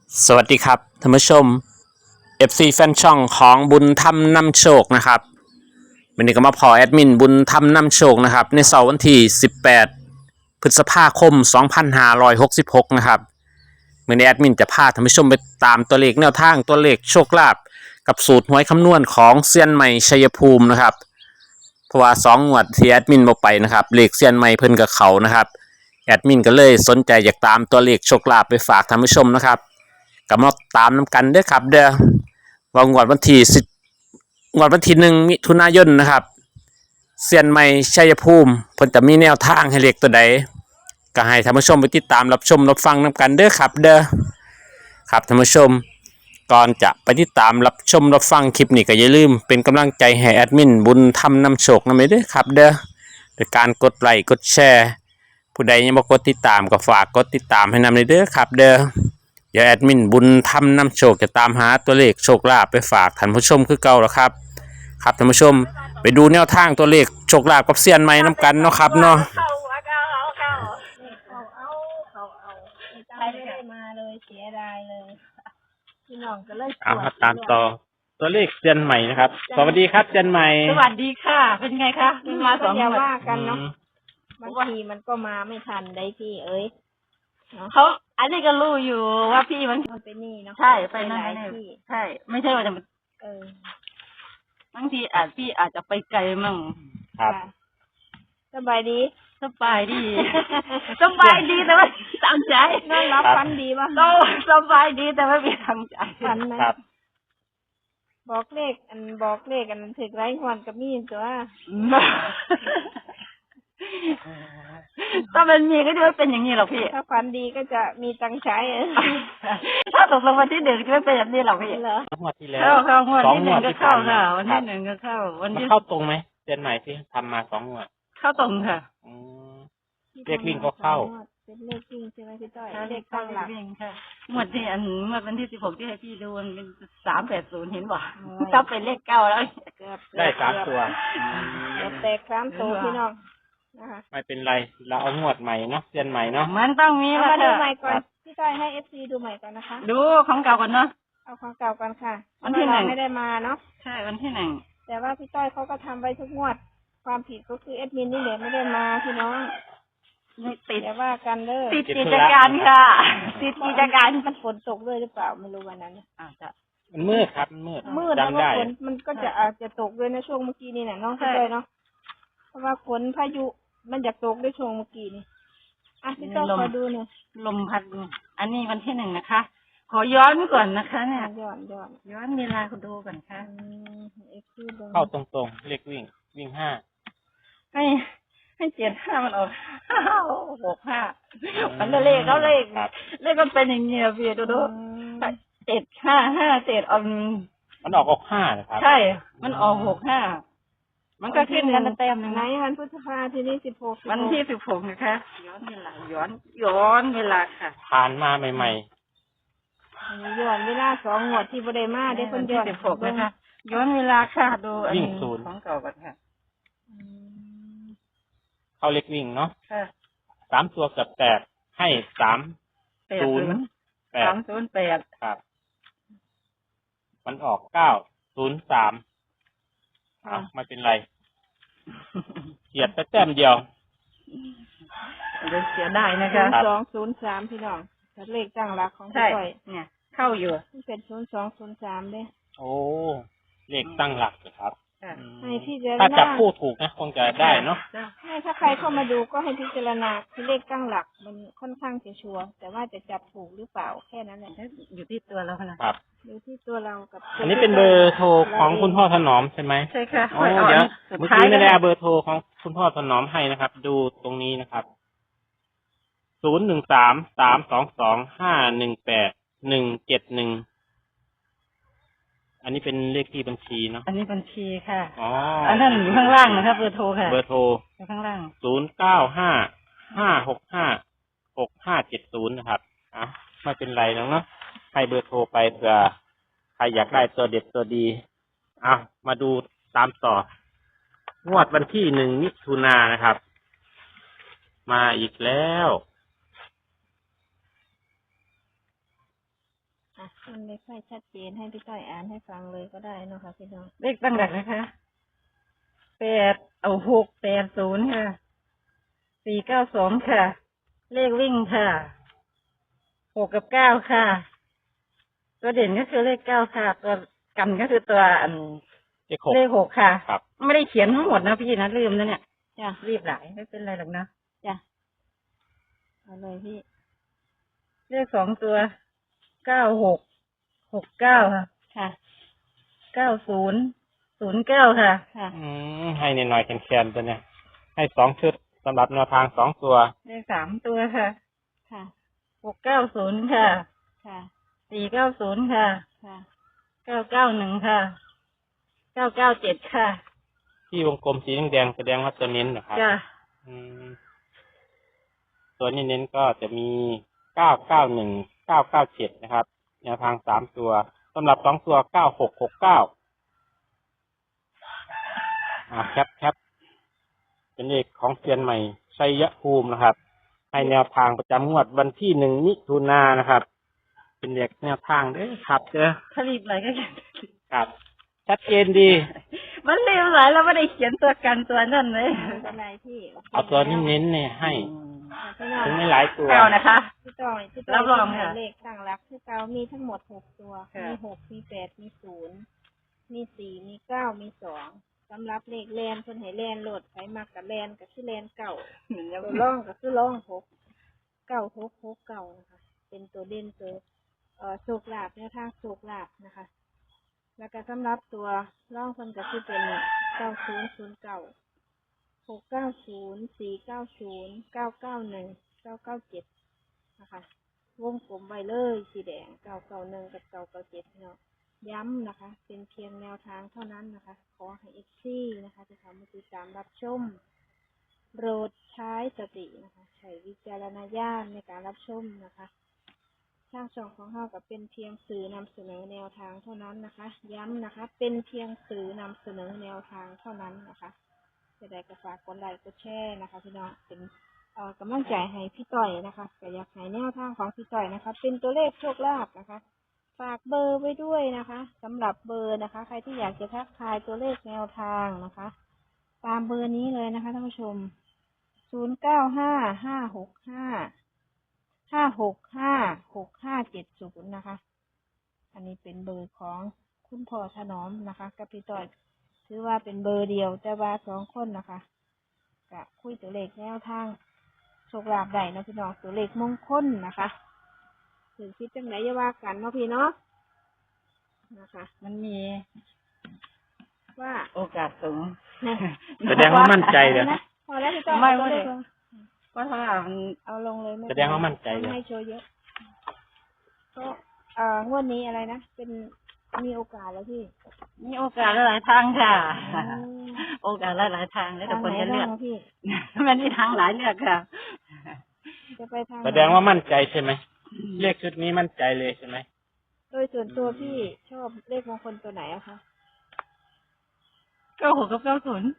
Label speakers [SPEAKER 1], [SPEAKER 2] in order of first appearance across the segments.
[SPEAKER 1] สวัสดีครับท่านผู้ชม FC แฟนช่องของบุญธรรมนำโชคนะครับวันนี้ก็มาพอแอดมินบุญธรรมนำโชคนะครับในเสาร์วันที่18พฤษภาคม2566นะครับวันนี้แอดมินจะพาท่านผู้ชมไปตามตัวเลขแนวทางตัวเลขโชคลาภกับสูตรหวยคำนวณของเซียนใหม่ชัยภูมินะครับเพราะว่า2 งวดที่แอดมินบอกไปนะครับเลขเซียนใหม่เพิ่นกับเขานะครับแอดมินก็เลยสนใจอยากตามตัวเลขโชคลาภไปฝากท่านผู้ชมนะครับก็มาตามน้ำกันเด้อครับเด้อว่างวดวันที่1 มิถุนายนนะครับเซียนใหม่ชัยภูมิเพิ่นจะมีแนวทางให้เลขตัวใดก็ให้ท่านผู้ชมไปติดตามรับชมรับฟังน้ำกันเด้อครับเด้อครับท่านผู้ชมก่อนจะไปติดตามรับชมรับฟังคลิปนี้ก็อย่าลืมเป็นกำลังใจให้แอดมินบุญธรรมนำโชคนำเด้อครับเด้อโดยการกดไลค์กดแชร์ผู้ใดยังบ่กดติดตามก็ฝากกดติดตามให้นำเด้อครับเด้อเดี๋ยวแอดมินบุญธรรมนำโชคจะตามหาตัวเลขโชคลาภไปฝากท่านผู้ชมคือเก่าแล้วครับครับท่านผู้ชมไปดูแนวทางตัวเลขโชคลาภกับเซียนใหม่น้ำกันเนาะครับเนาะ
[SPEAKER 2] ไม่ได้มาเลยเสียดายเลยพี่น้องก็เลย
[SPEAKER 1] เอามาตามต่อตัวเลขเซียนใหม่นะครับสวัสดีครับเซียนใหม่
[SPEAKER 3] สวัสดีค่ะ เป็นไงคะมาสอง
[SPEAKER 2] อย่า
[SPEAKER 3] วัน
[SPEAKER 2] ว่ากันเนาะบางทีมันก็มาไม่ทันได้พี่เอ้ย
[SPEAKER 3] เขาอันนี้ก็รู้อยู่ว่าพี่มัน
[SPEAKER 2] มันไปนี่เนาะ
[SPEAKER 3] ใช่ไปนั่น
[SPEAKER 2] หลาย
[SPEAKER 3] นี่
[SPEAKER 2] ที่
[SPEAKER 3] ใช่ ไม่ใช่ว่าจะ
[SPEAKER 2] เออบ
[SPEAKER 3] างทีพี่อาจจะไปไกลมั่ง
[SPEAKER 1] ครับ
[SPEAKER 2] ค่ะสบายดี
[SPEAKER 3] สบายดี สบายดีแต่ว่าตั้งใจ
[SPEAKER 2] นอนรับฟันดีป่ะ
[SPEAKER 3] ก็สบายดีแต่ว่าไม่ตั้งใจ
[SPEAKER 2] ฟันไหม
[SPEAKER 1] ครับ
[SPEAKER 2] บอกเลขอันถึกไร้หวนกับมีนตัว
[SPEAKER 3] ถ้ามันมีก็จะไม่เป็นอย่างนี้หรอกพี่
[SPEAKER 2] ถ้าฟันดีก็จะมีตังค์ใช้
[SPEAKER 3] ถ้าตกลงวันที่หนึ่งจะไม่เป็นแบบนี้หรอกพี่
[SPEAKER 2] เหรอ
[SPEAKER 1] งวดที่แล้ว
[SPEAKER 3] เข้างวด
[SPEAKER 1] สอง
[SPEAKER 3] ที่ห
[SPEAKER 1] ง
[SPEAKER 3] นึ่
[SPEAKER 1] ว
[SPEAKER 3] ง
[SPEAKER 1] ด
[SPEAKER 3] ก็
[SPEAKER 1] ที่
[SPEAKER 3] เข้า
[SPEAKER 1] ผ่านมา
[SPEAKER 3] ค่ะวัน
[SPEAKER 1] ครั
[SPEAKER 3] ที่
[SPEAKER 1] บ
[SPEAKER 3] หนึ่งก็เข้า วัน
[SPEAKER 1] มัน
[SPEAKER 3] ที่
[SPEAKER 1] เข้าตรงไหมเซียนใหม่ที่ทำมา2 งวด
[SPEAKER 3] เข้าตรงค่ะ
[SPEAKER 1] อืม เลขวิ่งก็เข้า
[SPEAKER 2] เป็นเลขวิ่งใช่ไหมพี่ต้อย
[SPEAKER 3] เล
[SPEAKER 2] เล
[SPEAKER 3] ข
[SPEAKER 2] ข
[SPEAKER 3] ตั้
[SPEAKER 2] ตั้
[SPEAKER 3] ง
[SPEAKER 2] ง
[SPEAKER 3] ห
[SPEAKER 2] ห
[SPEAKER 3] ลั
[SPEAKER 2] ลั
[SPEAKER 3] ก
[SPEAKER 2] ก
[SPEAKER 3] เองค่ะงวดที่งวดวันที่16ที่ให้พี่ดูมันเป็น380เห็นบ่
[SPEAKER 2] โอ้ย
[SPEAKER 3] ถ้าเป็นเลข9แล้ว
[SPEAKER 2] เกือบ
[SPEAKER 1] ได้3 ตัว
[SPEAKER 2] เกือบแตก3 ตัวพี่น้องนะคะ
[SPEAKER 1] ไม่เป็นไรเราเอางวดใหม่เนาะเซียนใหม่เนาะ
[SPEAKER 3] มันต้องมี
[SPEAKER 2] เอา
[SPEAKER 3] มา
[SPEAKER 2] มาดู
[SPEAKER 3] ค่ะ
[SPEAKER 2] ใหม่ก่อ
[SPEAKER 1] ครั
[SPEAKER 2] น
[SPEAKER 1] บ
[SPEAKER 2] พี่ต้อยให้ FC ดูใหม่ก่อนนะคะ
[SPEAKER 3] ดูของเก่าก่อนเนาะ
[SPEAKER 2] เอาของเก่าก่อนค่ะ
[SPEAKER 3] วันที่หนึ่ง
[SPEAKER 2] เราไม่ได้มาเนาะ
[SPEAKER 3] ใช่วันที่หนึ่ง
[SPEAKER 2] แต่ว่าพี่ต้อยเขาก็ทำไว้ทุกงวด ความผิดก็คือแอดมินนี่แหละไม่ได้มาพี่น้อง
[SPEAKER 3] นี่ติด
[SPEAKER 2] อย่าว่ากันเด้อ
[SPEAKER 3] ติดกิจการค่ะติดกิจการ
[SPEAKER 2] มันฝนตกด้วยหรือเปล่าไม่รู้วันนั้น
[SPEAKER 3] อาจจะ
[SPEAKER 1] มันมืดครับมันมืด
[SPEAKER 2] มืดแล้ว
[SPEAKER 1] จำ
[SPEAKER 2] ก็
[SPEAKER 1] ได้
[SPEAKER 2] ฝนมันก็จะอาจจะตกด้วยนะช่วงเมื่อกี้นี่น่ะน้อง
[SPEAKER 3] ใช่
[SPEAKER 2] พี่ต้อยเนาะเพราะว่าฝนพายุมันอยากตกด้วยช่วงเมื่อกี้นี่อ่ะพี่ต้อยขอดูหน่อย
[SPEAKER 3] ลมพัดอันนี้วันที่หนึ่งนะคะ ขอย้อนก่อนนะคะเนี่ย
[SPEAKER 2] ย้อน
[SPEAKER 3] ย้อนเวลาคุณดูก่อนค่ะ
[SPEAKER 2] เอ็กซ์ดู
[SPEAKER 1] เข้าตรงๆเลขวิ่ง5
[SPEAKER 3] ให้75มันออก65มันเลขเขาเลขเลขมันเป็นอย่างเงี้ยพี่ดูดู755
[SPEAKER 1] มันออก5นะครับ
[SPEAKER 3] ใช่ มันออก65มันก็ขึ้นกันแต้มหนึง
[SPEAKER 2] ไหน
[SPEAKER 3] นะ
[SPEAKER 2] วันพฤษภาทีนี้16
[SPEAKER 3] วันที่16นะคะย้อนเวลาย้อนเวลาค่ะ
[SPEAKER 1] ผ่านมาใหม่
[SPEAKER 2] ย้อนเวลา2 งวดที่บ่ได้มาได้เพิ่นย้อน
[SPEAKER 3] ที่16นะคะย้อนเวลาค่ะดูอัน
[SPEAKER 1] วิ่ง
[SPEAKER 3] นี้
[SPEAKER 1] ศูนย์
[SPEAKER 3] ของเก่าก่อนค่ะ
[SPEAKER 1] ๆเข้าเลขวิ่งเนาะ
[SPEAKER 3] ค่ะ
[SPEAKER 1] 3 ตัวกับแตกให้308
[SPEAKER 3] 308
[SPEAKER 1] ครับ มันออก903ไม่เป็นไรเฉียดไปแต้มเดียว
[SPEAKER 3] เดี๋ยวเสียได้นะคะ
[SPEAKER 1] ครับ
[SPEAKER 2] 0203พี่น้องแต่เลขตั้งหลักของพี่
[SPEAKER 3] ใช่
[SPEAKER 2] ต้อย
[SPEAKER 3] เนี่ย เข้าอยู่
[SPEAKER 2] มันเป็น0203เด้
[SPEAKER 1] โอ้เลขตั้งหลักเหรอครับ
[SPEAKER 3] ค่ะ
[SPEAKER 1] อืม
[SPEAKER 2] ให้พี่เจาร
[SPEAKER 1] ถ้าจับ
[SPEAKER 2] ณา
[SPEAKER 1] คู่ถูกนะคงจะได้เนาะ
[SPEAKER 2] ให้ถ้าใครเข้ามาดูก็ให้พิจารณาคือเลขตั้งหลักมันค่อนข้างจะชัวร์แต่ว่าจะจับถูกหรือเปล่าแค่นั้นแหละ
[SPEAKER 3] อยู่ที่ตัวเรานะครับ
[SPEAKER 2] ดูที่ตัวเรากับ
[SPEAKER 1] อันนี้เป็นเบอร์โทรของคุณพ่อถนอมใช่ไหม
[SPEAKER 3] ใช่ค่ะ
[SPEAKER 1] อ๋อเดี๋ยวเมื่อกี้ไม่ได้เอาเบอร์โทรของคุณพ่อถนอมให้นะครับ ดูตรงนี้นะครับ013-322-518-171อันนี้เป็นเลขที่บัญชีเนาะ
[SPEAKER 3] อันนี้บัญชีค่ะ
[SPEAKER 1] อ๋อ
[SPEAKER 3] อันนั้นอยู่ข้างล่างนะครับเบอร์โทรค่ะ
[SPEAKER 1] เบอร์โทร
[SPEAKER 3] อยู่ข้างล่าง
[SPEAKER 1] 0955656570นะครับอ่ะไม่เป็นไรแล้วเนาะให้เบอร์โทรไปเผื่อใครอยากได้ตัวเด็ดตัวดีอ่ะมาดูตามต่องวดวันที่1 มิถุนายนนะครับ มาอีกแล้ว
[SPEAKER 2] มันไม่ค่อยชัดเจนให้พี่ต้อยอ่านให้ฟังเลยก็ได้เนาะค่ะพี่น้อง
[SPEAKER 3] เลขตั้งหลักนะคะ680ค่ะ492ค่ะ เลขวิ่งค่ะ6กับ9ค่ะ ตัวเด่นก็คือเลข9ค่ะ ตัวกันก็คือตัวเลข6ค่ะ
[SPEAKER 1] ครับ
[SPEAKER 3] ไม่ได้เขียนทั้งหมดนะพี่นะลืมนะเนี่ย
[SPEAKER 2] จ้ะ
[SPEAKER 3] รีบหลายไม่เป็นไรหรอกนะ
[SPEAKER 2] จ้ะเอาเลยพี่
[SPEAKER 3] เลข2ตัว9669ค่ะ
[SPEAKER 2] ค่ะ
[SPEAKER 3] 9009ค่ะ
[SPEAKER 2] ค่ะ
[SPEAKER 1] ให้หน่อยๆแคนๆตัวเนี้ยให้2 ชุดสำหรับแนวทาง2 ตัว
[SPEAKER 3] เลข3ตัวค่ะ
[SPEAKER 2] ค่ะ
[SPEAKER 3] 690ค่ะ
[SPEAKER 2] ค่ะ
[SPEAKER 3] 490ค่ะ
[SPEAKER 2] ค่ะ
[SPEAKER 3] 991ค่ะ997ค่ะ
[SPEAKER 1] ที่วงกลมสีแดงๆแสดงว่าตัวเน้นนะครับ
[SPEAKER 3] จ้ะ
[SPEAKER 1] ตัวนี้เน้นก็จะมี991 997นะครับแนวทาง3 ตัวสำหรับ2 ตัว9669แคปเป็นเลขของเซียนใหม่ชัยภูมินะครับ ให้แนวทางประจำงวดวันที่1 มิถุนายนนะครับ เป็นเลขแนวทางเด้อครับเด้อ
[SPEAKER 3] ถ้ารีบหลายก็เขียน
[SPEAKER 1] ครับ ชัดเจนดี
[SPEAKER 3] มันรีบหลายแล้วไม่ได้เขียนตัวกันตัวนั่นเลย
[SPEAKER 2] ไม่เป็นไรพี่โค
[SPEAKER 1] เอาตัวนี้เน้นเนี่ยให้
[SPEAKER 2] พี่น้อง
[SPEAKER 1] ถึงไม่หลายตัว
[SPEAKER 3] เก้านะคะ
[SPEAKER 2] พี่ต้อย
[SPEAKER 3] รับรองค่ะ
[SPEAKER 2] เลขตั้งรักที่เก้ามีทั้งหมด6 ตัว
[SPEAKER 3] ค่ะ
[SPEAKER 2] มี6มี8มี0มี4มี9มี2สำหรับเลขแลนเพิ่นให้แลนโหลดไผมักกับแลนก็คือแลนเก่า ตัวร่องก็คือร่อง6 9669นะคะเป็นตัวเด่นตัวโชคลาภแนวทางโชคลาภนะคะ แล้วก็สำหรับตัวร่องเพิ่นก็คือเป็น9009 690 490 991 997นะคะวงกลมไว้เลยสีแดง991กับ997เนาะย้ำนะคะ เป็นเพียงแนวทางเท่านั้นนะคะ ขอให้FCนะคะที่เขามาติดตามรับชมโปรดใช้สตินะคะใช้วิจารณญาณในการรับชมนะคะทางช่องของเราก็เป็นเพียงสื่อนำเสนอแนวทางเท่านั้นนะคะ ย้ำนะคะ เป็นเพียงสื่อนำเสนอแนวทางเท่านั้นนะคะจะได้ก็ฝากกดไลค์กดแชร์นะคะพี่น้องเป็นกำลังใจให้พี่ต่อยนะคะก็อยากให้แนวทางของพี่ต่อยนะคะ เป็นตัวเลขโชคลาภนะคะ ฝากเบอร์ไว้ด้วยนะคะสำหรับเบอร์นะคะ ใครที่อยากจะทักทายตัวเลขแนวทางนะคะ ตามเบอร์นี้เลยนะคะท่านผู้ชม0955656570นะคะ อันนี้เป็นเบอร์ของคุณพ่อถนอมนะคะกับพี่ต่อยถือว่าเป็นเบอร์เดียวแต่ว่า2 คนนะคะก็คุยตัวเลขแนวทางโชคลาภได้นะพี่น้องตัวเลขมงคลนะคะถึงคิดจังไหนอย่าว่ากันเนาะพี่เนาะนะคะ
[SPEAKER 3] มันมี
[SPEAKER 2] ว่า
[SPEAKER 3] โอกาสสูง
[SPEAKER 1] แสดงว่ามั่นใจเลย
[SPEAKER 2] นะพอแล้วพี่ต่อย
[SPEAKER 3] ไม่
[SPEAKER 2] เอา
[SPEAKER 3] ไม่
[SPEAKER 2] เลย
[SPEAKER 3] เพราะว่ามัน
[SPEAKER 2] เอาลงเลยไม่
[SPEAKER 1] แสดงว่ามั่นใจเลย
[SPEAKER 2] ไม่โชว์เยอะก็งวดนี้อะไรนะเป็นมีโอกาสแล้วพี่
[SPEAKER 3] มีโอกาสหลายทางค่ะ
[SPEAKER 2] อืม
[SPEAKER 3] โอกาสหลายทางแล้วแต่
[SPEAKER 2] ทาง
[SPEAKER 3] ค
[SPEAKER 2] ไหน
[SPEAKER 3] นจะเลื
[SPEAKER 2] บ้า
[SPEAKER 3] อง ก
[SPEAKER 2] อะพี่
[SPEAKER 3] มันมีทางหลายเลือกค่ะ
[SPEAKER 2] จะไปทางไหน
[SPEAKER 1] แสดงว่ามั่นใจใช่ไหมเลขชุดนี้มั่นใจเลยใช่ไหม
[SPEAKER 2] โดยส่วนตัวพี่ชอบเลขมงคลตัวไหนอะคะ
[SPEAKER 3] 96กับ90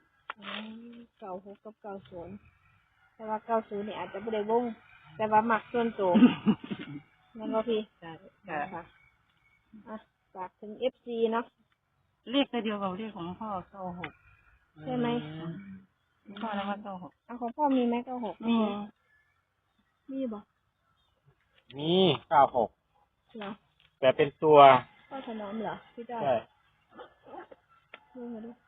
[SPEAKER 2] 96กับ90แต่ว่า90เนี่ยอาจจะไม่ได้วงแต่ว่ามักส่วนตัวนั่นก็พี่
[SPEAKER 3] ค่ะ
[SPEAKER 2] ค่ะอ่ะฝากถึง FC เนาะ
[SPEAKER 3] เรียกตัวเดียวกับเรียกของพ่อ96
[SPEAKER 2] ใช่ไหม
[SPEAKER 3] พ่อแล้วว่า96
[SPEAKER 2] เอาของพ่อมีไหม96
[SPEAKER 3] มี
[SPEAKER 2] มีบ่
[SPEAKER 1] มี96
[SPEAKER 2] เหรอ
[SPEAKER 1] แต่เป็นตัว
[SPEAKER 2] พ่อถนอมเหรอพี่จ้อย
[SPEAKER 1] ใช่
[SPEAKER 2] ดูมาดู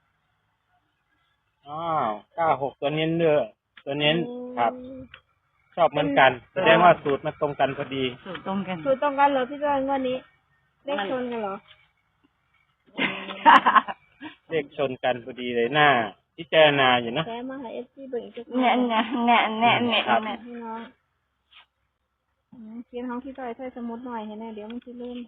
[SPEAKER 1] 96ตัวเน้นเด้อตัวเน้นครับ ชอบเหมือนกัน แสดงว่าสูตรมันตรงกันพอดี
[SPEAKER 3] สูตรตรงกัน
[SPEAKER 2] สูตรต้องกันเหรอพี่จ้อยงวดนี้เลขชนกันเหรอ
[SPEAKER 1] เลขชนกันพอดีเลยหน้าพิจารณาอยู่นะ
[SPEAKER 2] แถมมาให้ FC เบิ่งอีกสัก
[SPEAKER 3] เนี่ยเนี่ยเนี่ยเนี่ยเนี่ย
[SPEAKER 1] ครับ
[SPEAKER 3] เนี่ย
[SPEAKER 2] พี่น้องเขียนห้องพี่จ้อยใส่สมุดหน่อยให้แน่เดี๋ยวมันสิลืม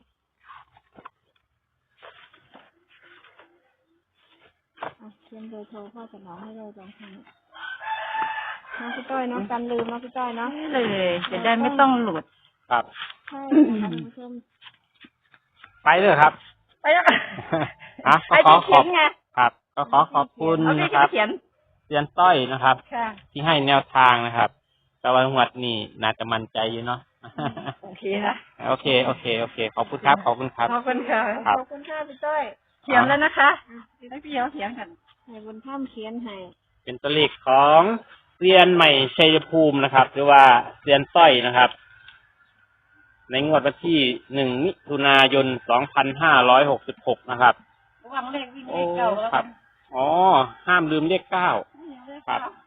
[SPEAKER 2] เขียนเบอร์โทรพ่อถนอมให้เราลองทำน้องพี่จ้อยเนาะกันลืมน้องพี่จ้อยเนาะ
[SPEAKER 3] เลยจะได้ไม่ต้องหลุด
[SPEAKER 1] ครับ
[SPEAKER 2] ใช่นะคะท่านผู้ชม
[SPEAKER 1] ไปเลยครับ
[SPEAKER 3] ไปแล้ว
[SPEAKER 1] อ่ะก็
[SPEAKER 3] ไอ้
[SPEAKER 1] ขอ
[SPEAKER 3] ที่เขียนไง
[SPEAKER 1] ครับก็ขอบคุณ
[SPEAKER 3] เอาที่
[SPEAKER 1] นะครับ
[SPEAKER 3] เขียน
[SPEAKER 1] เซียนต้อยนะครับ
[SPEAKER 3] ค่ะ
[SPEAKER 1] ที่ให้แนวทางนะครับ แต่ว่างวดนี้น่าจะมั่นใจอยู่เนาะ
[SPEAKER 3] โอเคเคนะ
[SPEAKER 1] โอเคขอบคุณครับขอบคุณครับ
[SPEAKER 3] ขอบคุณค่ะ
[SPEAKER 1] ครับ
[SPEAKER 2] ขอบคุณค่ะพี่ต้อย
[SPEAKER 3] เขียนแล้วนะคะให้พี่เขาเขียนกัน
[SPEAKER 2] ให้บุญถ้ำเขียนให้
[SPEAKER 1] เป็นตัวเลขของเซียนใหม่ชัยภูมินะครับ หรือว่าเซียนต้อยนะครับ ในงวดวันที่1 มิถุนายน 2566 นะครับ
[SPEAKER 3] ระวังเลขวิ่งเลขเก้าแล้ว
[SPEAKER 1] ครับ อ๋อ ห้ามลืมเลข 9 ครับ